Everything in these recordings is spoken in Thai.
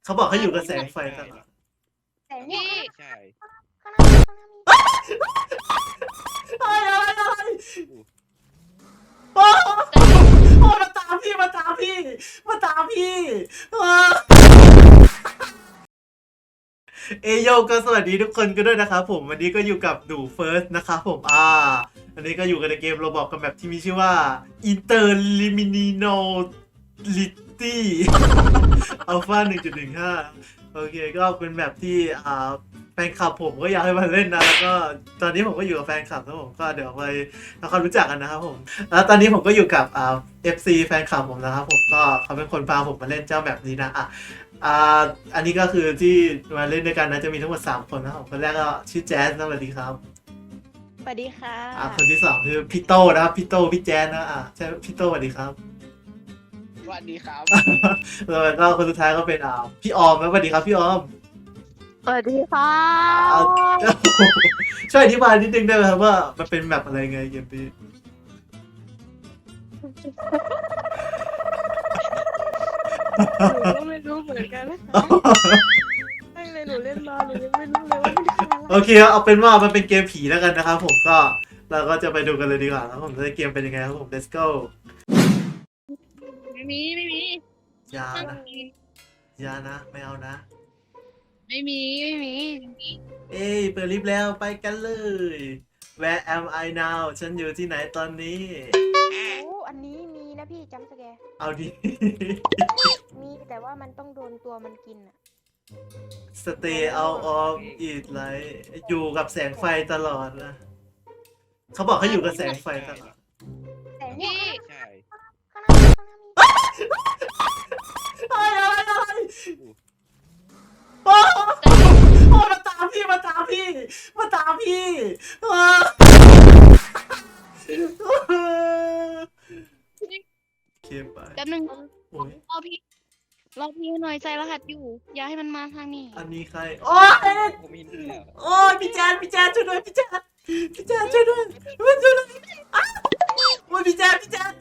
เขาบอกให้อยู่กับแสงไฟตลอดแต่นี่พี่ใช่ข้างหน้ามีอะไรโอ้โอ้มาตามพี่มาตามพี่เอโยก็สวัสดีทุกคนกันด้วยนะครับผมวันนี้ก็อยู่กับดูเฟิร์สนะครับผมอันนี้ก็อยู่กันในเกมโรบอกกันแบบที่มีชื่อว่า Interliminality Alpha 1.15 โอเคก็เป็นแบบที่แฟนคลับผมก็อยากให้มาเล่นนะแล้วก็ตอนนี้ผมก็อยู่กับแฟนคลับนะผมก็เดี๋ยวไปทำความรู้จักกันนะครับผมแล้วตอนนี้ผมก็อยู่กับFC แฟนคลับผมนะครับผมก็เขาเป็นคนพาผมมาเล่นเจ้าแบบนี้นะอันนี้ก็คือที่มาเล่นด้วยกันนะจะมีทั้งหมด3คนนะครับคนแรกก็ชื่อแจ๊สนะสวัสดีครับสวัสดีค่ะคนที่2คือพี่โตนะครับพี่โตพี่แจ๊สนะใช่พี่โตสวัสดีครับสวัสดีครับแล้วก็คนสุดท้ายก็เป็นพี่ออมนะสวัสดีครับพี่ออมสวัสดีค่ะช่วยอธิบายนิดนึงได้ไหมครับว่ามันเป็นแบบอะไรไงเกมนี้หนูก็ไม่รู้เหมือนกันนะคะตั้งเลยหนูเล่นมาหนูยังไม่รู้เลยว่ามันคืออะไรโอเคเอาเป็นว่ามันเป็นเกมผีแล้วกันนะครับผมก็เราก็จะไปดูกันเลยดีกว่าครับผมจะเกมเป็นยังไงครับผม let's go ไม่มีอย่านะอย่านะไม่เอานะไม่มีเอ้ยเปิดลิฟต์แล้วไปกันเลย Where am I now ฉันอยู่ที่ไหนตอนนี้โอ้อันนี้มีนะพี่จำสแกร์เอาดิมีแต่ว่ามันต้องโดนตัวมันกินอะ Stay out of it ไรอยู่กับแสงไฟตลอดนะเขาบอกให้อยู่กับแสงไฟตลอดแต่นี่พี่ใช่ข้างหน้ามีอะไรโอ้มาตามพี่เคไปแป๊บนึงโอ้ยรอพี่หน่อยใจรหัสอยู่ อย่าให้มันมาทางนี้อันนี้ใครโอ้ยผมเห็นแล้วโอ้ยพี่แจ๊ดช่วยด้วยพี่แจ๊ดช่วยด้วยอ้าวโอ้ยพี่แจ๊ด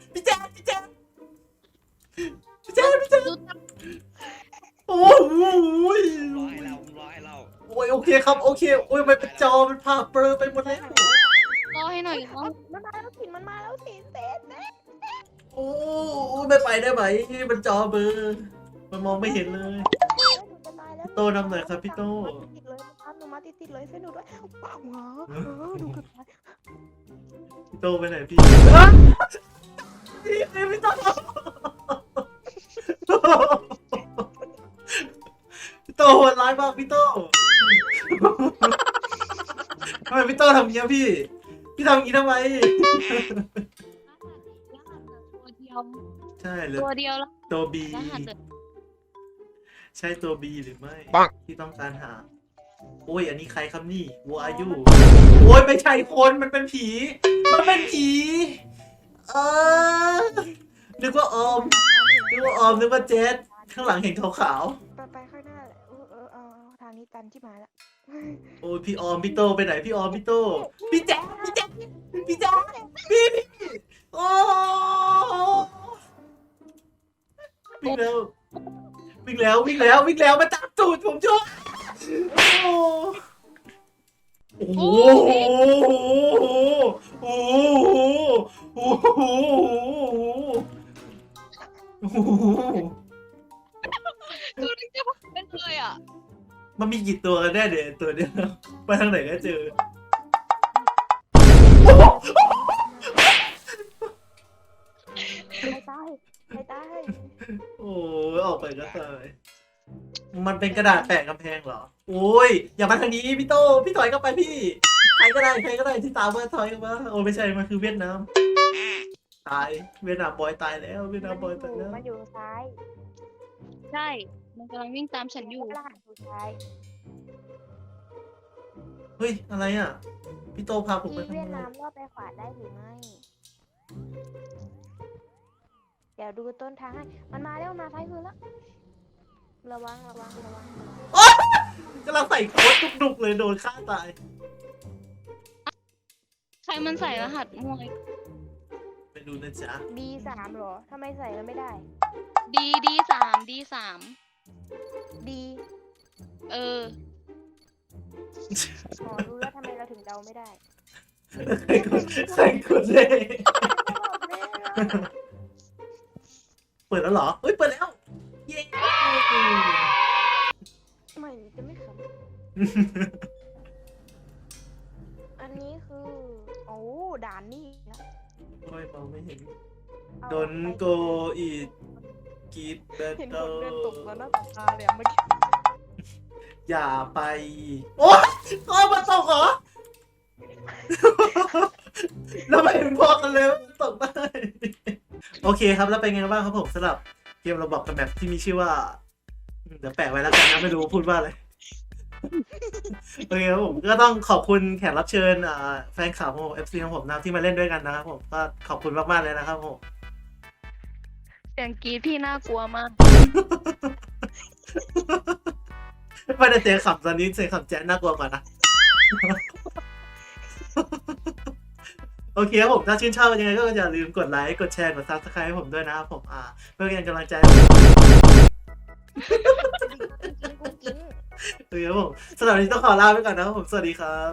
ดูตามโอ้ยรอให้เราโอ้ยโอเคครับโอเคโอ้ยมันเป็นจอมันพาเบลอไปหมดแล้วรอให้หน่อยรอมันมาแล้วสิมันมาแล้วสิเซ็ตโอ้ไม่ไปได้ไหมมันจอเบลอมันมองไม่เห็นเลยจะตายแล้วโตนำหน่อยครับพี่โตติดเลยหนูมาติดเลยเส้นหนูด้วยว้าวหนูเกือบตายพี่โตไปไหนพี่พี่โตพี่โตโหดร้ายมากพี่โตทำไมพี่โตทำอย่างนี้พี่ทำอย่างนี้ทำไมรหัสตัวเดียวใช่หรือตัวเดียวแล้วตัวบีรหัสเดิมใช่ตัวบีหรือไม่ที่ต้องการหาโอ้ยอันนี้ใครครับนี่วัวอายุโอ้ยไม่ใช่คนมันเป็นผีเออนึกว่าออมนึกว่าเจสข้างหลังเห็นขาวไปข้างหน้าแหละเอาทางนี้ตันที่มาแล้วๆโอ้ยพี่ออมพี่โตไปไหนพี่ออมพี่โตพี่แจ๊คพี่โอ้วิ่งแล้วมาจับตูดผมช่วยโอ้โหโอ้โหคือจะบอกเป็นเลยอ่ะมันมีกี่ตัวกันแน่เดี๋ยวตัวเดียวไปทางไหนก็เจอใครตายโอ้ยออกไปก็ตายมันเป็นกระดาษแปะกำแพงเหรอโอ้ยอย่ามาทางนี้พี่โตพี่ถอยเข้าไปพี่ใครก็ได้ที่ตามมาถอยเข้ามาโอ้ไม่ใช่มันคือเวียดนามตายเวียดนามบอยตายแล้วเวียดนามบอยตายแล้วมันอยู่ซ้ายใช่ มันกำลังวิ่งตามฉันอยู่รหัสอยู่ซ้ายเฮ้ยอะไรอ่ะพี่โตพาผมไปที่ทำเวียดไมนามรอดไปขวาได้หรือไม่ เดี๋ยวดูต้นทางให้ มันมาแล้วมาซ้ายมือแล้ว ระวังกำลังใส่โค้ดดุกๆเลยโดนฆ่าตายใครมันใส่รหัสมวยไปดูนะจ๊ะ B3 เหรอทำไมใส่แล้วไม่ได้ D3 D เอออ๋อรู้แล้วทำไมเราถึงเดาไม่ได้ใครกดเลยเปิดแล้วเหรอเฮ้ยเปิดแล้วเย้ทำไมจะไม่ขำอันนี้คือโอ้ด่านนี่นะโอ้ยมองไม่เห็นเอาโดนไปโกอีดกีดเบเห็นเตคอนเดินตกร์แล้วหน้าตาเลยอะเมื่อกี้อย่าไป โอ๊ยโอ๊ยมันตกเหรอ แล้วไม่เห็นพอกันเลยว่ามันตกได้ โอเคครับแล้วเป็นไงบ้างครับผมสำหรับเกมเราบอกกันแบบที่มีชื่อว่าเดี๋ยวแปะไว้แล้วกันนะไม่รู้พูดว่าอะไร โอเคครับผมก็ต้องขอบคุณแขกรับเชิญแฟนคลับของผม FC ของผมนะที่มาเล่นด้วยกันนะครับผมก็ขอบคุณมากๆเลยนะครับผมเสียงกรีดพี่น่ากลัวมากไม่ได้เสียงขำตอนนี้เสียงขำแจ๊ะน่ากลัวกว่านะ โอเคครับผมถ้าชื่นชอบยังไงก็อย่าลืมกดไลค์กดแชร์กด Subscribe ให้ผมด้วยนะครับผมเพื่อเป็นกำลังใจให้ผมกุ้งกิ้งโอเคครับผมสำหรับวันนี้ต้องขอลาไปก่อนนะครับผมสวัสดีครับ